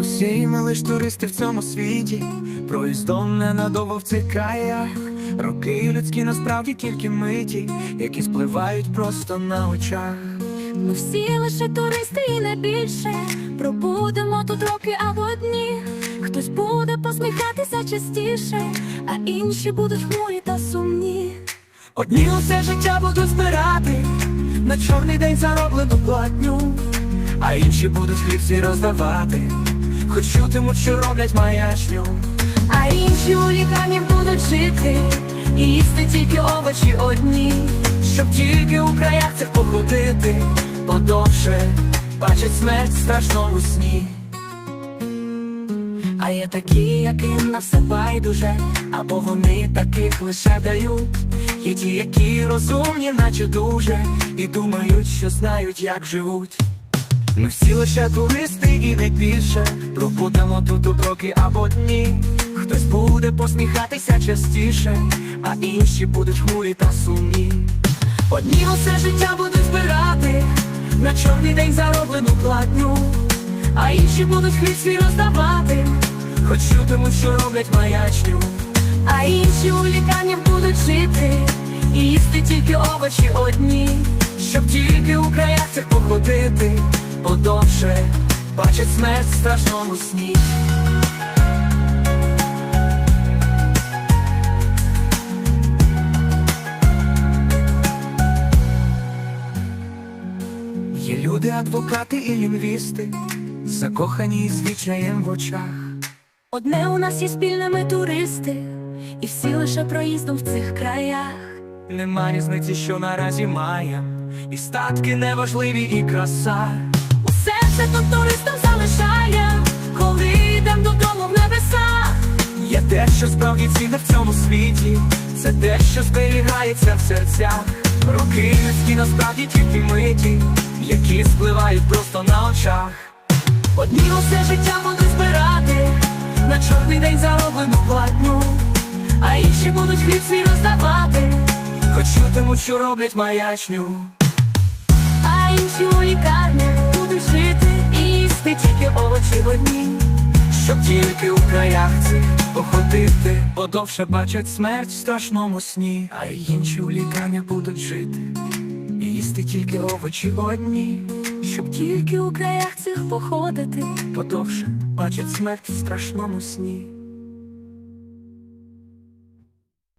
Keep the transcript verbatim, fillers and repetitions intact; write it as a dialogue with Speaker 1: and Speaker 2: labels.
Speaker 1: Усі ми лиш туристи в цьому світі, проїздом ненадовго в цих краях. Роки людські насправді тільки миті, які спливають просто на очах.
Speaker 2: Ми всі лише туристи і не більше. Пробудемо тут роки або дні. Хтось буде посміхатися частіше, а інші будуть хмурі та сумні.
Speaker 1: Одні усе життя будуть збирати на чорний день зароблену платню, а інші будуть хлібці роздавати, хоч чутимуть, що роблять маячню.
Speaker 2: А інші у лікарні будуть жити і їсти тільки овочі одні,
Speaker 1: Щоб тільки у краях цих походити подовше, бачать смерть страшно у сні.
Speaker 2: а є такі, яким на все байдуже,
Speaker 1: Або вони таких лише дають. Є ті, які розумні, наче дуже, і думають, що знають, як живуть. Ми всі лише туристи і не більше. Пробудемо тут у роки або дні. Хтось буде посміхатися частіше, а інші будуть хмурі та сумні. Одні усе життя будуть збирати на чорний день зароблену платню, а інші будуть хліб свій роздавати, хоч чутимуть, що роблять маячню.
Speaker 2: а інші у лікарні будуть жити і їсти тільки овочі одні,
Speaker 1: Щоб тільки у краях цих походити подовше, бачать смерть в страшному сні. Є люди, адвокати і лінгвісти, закохані з відчаєм в очах.
Speaker 2: Одне у нас є спільне, ми туристи, і всі лише проїздом в цих краях.
Speaker 1: Нема різниці, що наразі має, і статки неважливі, і краса.
Speaker 2: Усе це тут туристам залишає, коли йдем додому в небеса.
Speaker 1: Є те, що справді цінне в цьому світі, це те, що зберігається в серцях. Роки людські насправді тільки миті, які спливають просто на очах.
Speaker 2: Одні усе життя будуть збирати
Speaker 1: На чорний день зароблену платню,
Speaker 2: а інші будуть хліб свій роздавати,
Speaker 1: хоч чутимуть, що роблять маячню.
Speaker 2: а інші у лікарнях будуть жити і їсти тільки овочі одні,
Speaker 1: Щоб тільки у краях цих походити подовше, бачать смерть в страшному сні. А інші у лікарнях будуть жити і їсти тільки овочі одні,
Speaker 2: щоб тільки у краях цих походити.
Speaker 1: подовше бачать смерть в страшному сні.